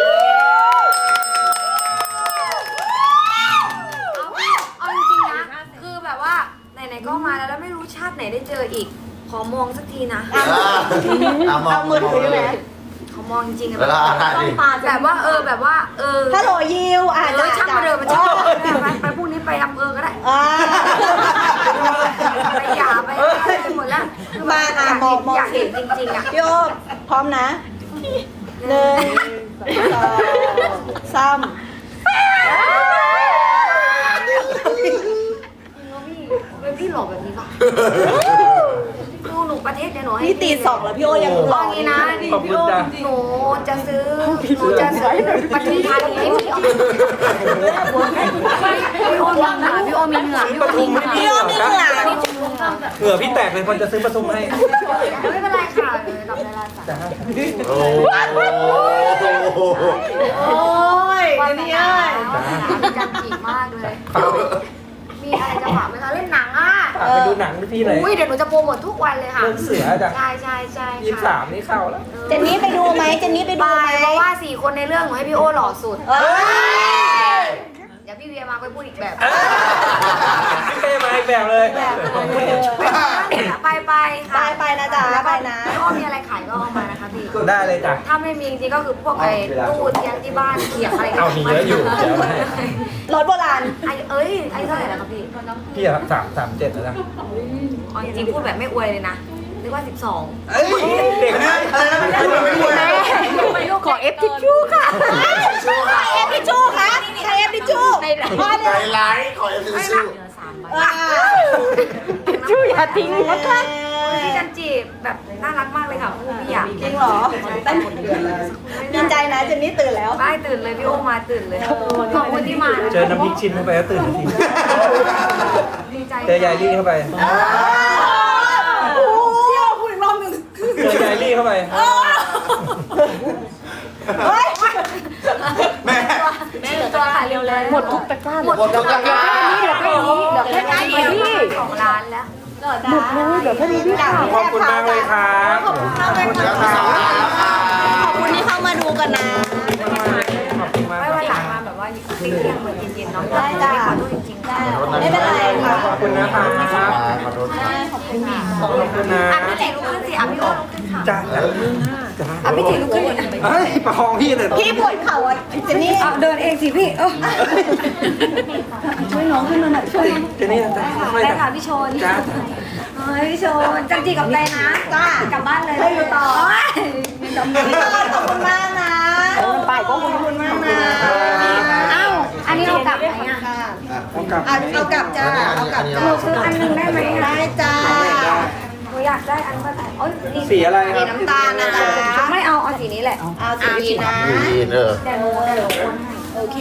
[SPEAKER 4] เอาจริงๆนะคือแบบว่าไหนๆก็มาแล้วแล้วไม่รู้ชาติไหนได้เจออีกขอมองสักทีนะ
[SPEAKER 1] เอามอง
[SPEAKER 3] เอามือถือไหม
[SPEAKER 4] ขอมองจริงๆอะ
[SPEAKER 1] เวลาถ่ายดิ
[SPEAKER 4] แบบว่าเออแบบว่าเออ
[SPEAKER 3] ฮัลโหลยิวอ่ะ
[SPEAKER 4] เออช่างมาเดินมาช่างไปไปพรุ่งนี้ไปอำเภอก็ได้
[SPEAKER 3] อ่า
[SPEAKER 4] ไปหยาไปอะไรไปหมดแล้วคือแบบ
[SPEAKER 3] มาอ่ะ
[SPEAKER 4] อยาก
[SPEAKER 3] มอง
[SPEAKER 4] เห็น
[SPEAKER 3] มอง
[SPEAKER 4] อยากเห็นจริงๆอ่ะ
[SPEAKER 3] พี่โอ๊คพร้อมนะหนึ่งสองสาม
[SPEAKER 4] เป็นพี่หลอกแบบนี้ป่ะดูหนูประเทศเดี๋ยวหนูให้
[SPEAKER 3] นี่ตีสองแล้วพี่โอ๊คยังหล่อ
[SPEAKER 4] เอางี้นะ
[SPEAKER 2] ขอบคุณจ้ะ
[SPEAKER 4] หนูจะซื้อหนูจะซื้อปทุมธานีให้พี่โอพี่โอมีเหงื่อพี่โอมีเหงื่อพี่โอมีเหงื่อ
[SPEAKER 3] พี่โอ๊คมีเหงื่อ
[SPEAKER 2] เหงื่อพี่แตกเลยคนจะซื้อประทุมให้
[SPEAKER 4] ไม่เป็นไรค่ะรับเวลาจ้ะ
[SPEAKER 1] โอ้โห
[SPEAKER 3] โอ้ย
[SPEAKER 4] วัน
[SPEAKER 3] นี่
[SPEAKER 4] นี้
[SPEAKER 3] เอ้ย
[SPEAKER 4] จันจีมากเลย มีอะไรจะฝากไหมคะเล่นหนังอ่ะ
[SPEAKER 2] ฝากไปดูหนังที่ไหน
[SPEAKER 4] อุ้ยเดี๋ยวหนูจะโปรโมททุกวันเลยค่ะ
[SPEAKER 2] เรื่องเสือจ้ะ
[SPEAKER 4] ใช่ใช่ใช่
[SPEAKER 2] ยี่สิบสามนี่เข้าแล้ว
[SPEAKER 3] เจนนี่ไปดูไหมเจนนี่ไปดู
[SPEAKER 4] ไป
[SPEAKER 3] ไหม
[SPEAKER 4] เพราะว่าสี่คนในเรื่องหนูให้พี่โอหล่อสุด
[SPEAKER 3] เอ้ย
[SPEAKER 4] เดี๋ยวพี่เวียมาไปพูดอีกแบบ
[SPEAKER 2] พี่เป้มาอีกแบบเลย
[SPEAKER 4] ไปไป
[SPEAKER 3] ไป
[SPEAKER 4] ค่ะ
[SPEAKER 3] ไปนะจ๊ะไปนะ
[SPEAKER 4] พี่โอมีอะไรขายก็เอามานะคะพี่
[SPEAKER 2] ได้เลยจ้ะ
[SPEAKER 4] ถ้าไม่มีจริงๆก็คือพวกไอ้ตู้เตียงที่บ้านเขียงอะไร
[SPEAKER 2] เอามีเยอะอยู่เดี๋ยวให้
[SPEAKER 3] รถโบราณ
[SPEAKER 4] ไอ้เอ้ยไอ้เท่าไหร่แล้วครับพี่
[SPEAKER 2] พี่อะสามสามเจ็ดแล้วนะ
[SPEAKER 4] อ๋อจริงๆพูดแบบไม่อวยเลยนะนึกว่าสิบสอง
[SPEAKER 2] เอ้ยเด็ก
[SPEAKER 5] อันนี้
[SPEAKER 2] นะ
[SPEAKER 5] อะไรนะไม่ควรไม่ควร
[SPEAKER 4] ขอเอฟทิชชู่ค่ะ
[SPEAKER 3] ใครเอฟทิชชู่คะใครเอฟทิชชู่พ่อ
[SPEAKER 1] ใจ
[SPEAKER 3] เนี่ย
[SPEAKER 1] ร้ายขอเอฟซีซู
[SPEAKER 4] เหลือสามใบ
[SPEAKER 3] อ่า
[SPEAKER 4] ชู่อย่าทิ้งนะคะพี่จันจีแบบน่ารักมากเลยค่ะพูดพี่อยาก
[SPEAKER 3] จริงเหรอดีใจนะเจนนี่ตื่นแล้ว
[SPEAKER 4] ไม่ตื่นเลยพี่โอมาตื่นเลยขอบคุณที่มา
[SPEAKER 2] เจอน้ำพริกชิ้นเข้าไปแล้วตื่นทันที
[SPEAKER 4] ดีใจ
[SPEAKER 2] เจอยายลี่เข้าไป
[SPEAKER 3] โอ้โหพูดอีกรอบหนึ่ง
[SPEAKER 2] เจอยายลี่เข้าไป
[SPEAKER 3] เฮ้ย
[SPEAKER 5] แม่
[SPEAKER 4] แม่ตัวขายเร็วเลยหมดทุกตะกร้าหมด
[SPEAKER 1] หมดทุกตะกร้า
[SPEAKER 4] เหลือแค่นี้เหลือแค่นี้พี่สองล้านแล้ว
[SPEAKER 3] หมดเลยเดี๋ยวแค่นี้พี่
[SPEAKER 2] ขอบคุณมากเลยครับ
[SPEAKER 3] ขอบคุณมากเลย
[SPEAKER 1] แล้วมีสองล้านแล้วค่ะ
[SPEAKER 3] ขอบคุณที่เข้ามาดูกันนะ
[SPEAKER 2] ขอบคุณมาก
[SPEAKER 4] ไม่วันหลังมาแบบว่าเที่ยงๆเหมือนเย็นๆเนาะ
[SPEAKER 3] ได้จ้ะ
[SPEAKER 4] ขอโทษจริงๆได้
[SPEAKER 3] ไม่เป็นไรค่ะ
[SPEAKER 2] ขอบคุณนะครับ
[SPEAKER 1] ขอโทษ
[SPEAKER 3] ขอบคุณค่ะ
[SPEAKER 2] ขอบคุณนะ
[SPEAKER 4] อ่ะพี่เจ๋ลุกขึ้นสิอ่ะพี่โอลุกขึ้นค่ะ
[SPEAKER 2] จ้าจ้าจ้า
[SPEAKER 4] อ่ะพี่เจ๋ลุกขึ้น
[SPEAKER 2] เฮ้ยประคองพี่เลย
[SPEAKER 3] พี่ปวดเข่าอ่ะเจนนี่
[SPEAKER 4] เดินเองสิพี่เออ
[SPEAKER 3] ช่วยน้องขึ้นมาหน่อยช่วย
[SPEAKER 2] เจนี่จ้าไม่
[SPEAKER 4] ได้
[SPEAKER 2] จ้า
[SPEAKER 4] ค่ะพี่ชน
[SPEAKER 2] จ้า
[SPEAKER 4] เฮ้ยพี่ชนจังจีกับใจนะ
[SPEAKER 3] จ้าก
[SPEAKER 4] ลับบ้านเลย
[SPEAKER 3] ให้อยู่ต่อ
[SPEAKER 4] โย
[SPEAKER 3] พี่ต้นขอบคุณมากนะไปก็ขอบคุณมากนะ
[SPEAKER 4] เอ้าอันนี้เอากลับไหมอ่ะ
[SPEAKER 2] ต้องกลับ
[SPEAKER 3] เอาเอากลับจ้าเอากลับจ้า
[SPEAKER 4] หนูซื้ออันหนึงได้ไหม
[SPEAKER 3] ได้
[SPEAKER 4] อ่ะ
[SPEAKER 3] จ้า
[SPEAKER 4] หนูอยากได้อันเมื่อไหร่โอ๊ยนี่
[SPEAKER 2] สีอะไรค
[SPEAKER 3] สี
[SPEAKER 2] รับ
[SPEAKER 3] น้ำตาลนะจ๊ะ
[SPEAKER 4] ไม่เอาเอาสีนี้แหละ
[SPEAKER 3] เอาสีนี้นะ
[SPEAKER 1] ดีเนอะ
[SPEAKER 4] แต่หนูแต่หนูโอนให้
[SPEAKER 3] โอเค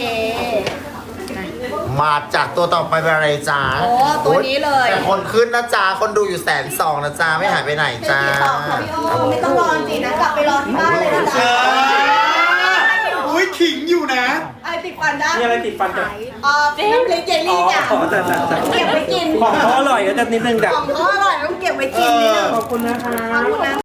[SPEAKER 1] มาจากตัวต่อไปเป็นอะไรจ้า
[SPEAKER 3] โอ้ตัวนี้เลย
[SPEAKER 1] แต่คนขึ้นนะจ้าคนดูอยู่แสนสองนะจ้าไม่หายไปไหน
[SPEAKER 3] เป็น
[SPEAKER 1] จ้า
[SPEAKER 3] สีตอบค่ะพี่โอไม่ต้องรอจริงนะกลับไปรอที่บ้านเลยนะ
[SPEAKER 5] เอ
[SPEAKER 3] จ๊ะ
[SPEAKER 5] ออุ้ยขิงอยู่นะ
[SPEAKER 3] ไอติดฟันได้
[SPEAKER 2] มีอะไรติดฟันจ้ะ
[SPEAKER 3] เอ่อน้ำพริกเจล
[SPEAKER 2] อ๋อ
[SPEAKER 3] ลี่จ้ะ
[SPEAKER 2] จ้าจ้าจ้า
[SPEAKER 3] เก็บไว้กิน
[SPEAKER 2] ของเขาอร่อยก็จะนิดนึงจ้ะ
[SPEAKER 3] ของเขาอร่อยต้องเก็บไว้กินนิดนึง
[SPEAKER 2] ขอบคุณนะคะ
[SPEAKER 3] ขอบคุณนะ